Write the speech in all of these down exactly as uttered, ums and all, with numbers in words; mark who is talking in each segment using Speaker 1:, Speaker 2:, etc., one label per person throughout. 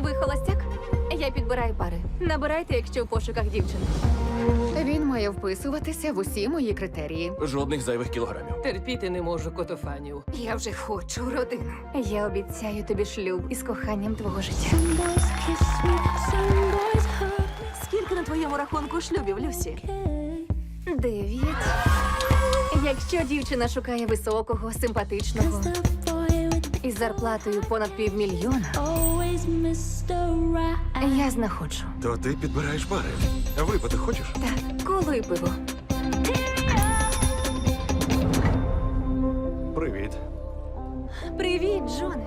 Speaker 1: Ви холостяк? Я підбираю пари. Набирайте, якщо в пошуках дівчин.
Speaker 2: Він має вписуватися в усі мої критерії.
Speaker 3: Жодних зайвих кілограмів.
Speaker 4: Терпіти не можу котофанів.
Speaker 2: Я вже хочу родину.
Speaker 1: Я обіцяю тобі шлюб із коханням твого життя.
Speaker 5: Скільки на твоєму рахунку шлюбів, Люсі?
Speaker 1: Дев'ять. Якщо дівчина шукає високого, симпатичного із зарплатою понад півмільйона, я знаходжу.
Speaker 3: То ти підбираєш пари. А випити хочеш?
Speaker 1: Так, коло і пиво.
Speaker 3: Привіт.
Speaker 1: Привіт, Джоне.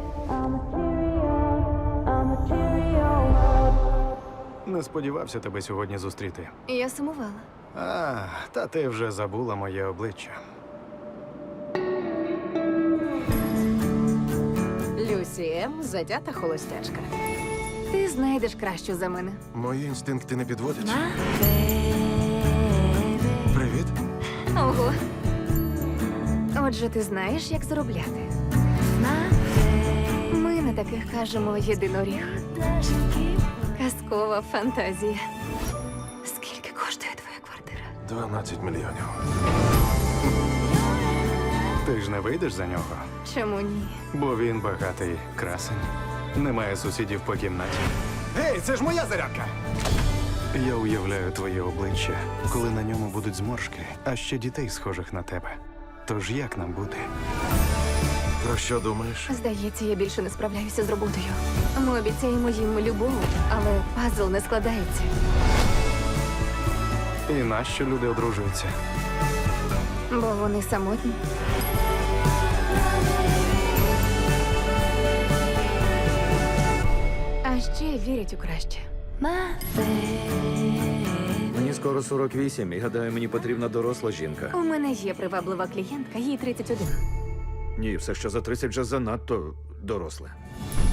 Speaker 6: Не сподівався тебе сьогодні зустріти.
Speaker 1: Я сумувала.
Speaker 6: А, та ти вже забула моє обличчя.
Speaker 4: Люсі М. затята холостячка.
Speaker 1: Ти знайдеш кращу за мене.
Speaker 3: Мої інстинкти не підводять. Привіт.
Speaker 1: Ого. Отже, ти знаєш, як заробляти. Ми на таких кажемо єдиноріг. Казкова фантазія. Скільки коштує твоя квартира?
Speaker 3: дванадцять мільйонів.
Speaker 6: Ти ж не вийдеш за нього,
Speaker 1: Чому ні?
Speaker 6: бо він багатий красень. Немає сусідів по кімнаті.
Speaker 3: Гей, це ж моя зарядка!
Speaker 6: Я уявляю твоє обличчя, коли на ньому будуть зморшки, а ще дітей, схожих на тебе. Тож як нам бути?
Speaker 3: Про що думаєш?
Speaker 1: Здається, я більше не справляюся з роботою. Ми обіцяємо їм любов, але пазл не складається.
Speaker 6: І нащо люди одружуються?
Speaker 1: Бо вони самотні. А ще вірять у краще.
Speaker 7: Мені скоро сорок вісім, і гадаю, мені потрібна доросла жінка.
Speaker 1: У мене є приваблива клієнтка, їй тридцять один.
Speaker 7: Ні, все, що за тридцять вже занадто доросле.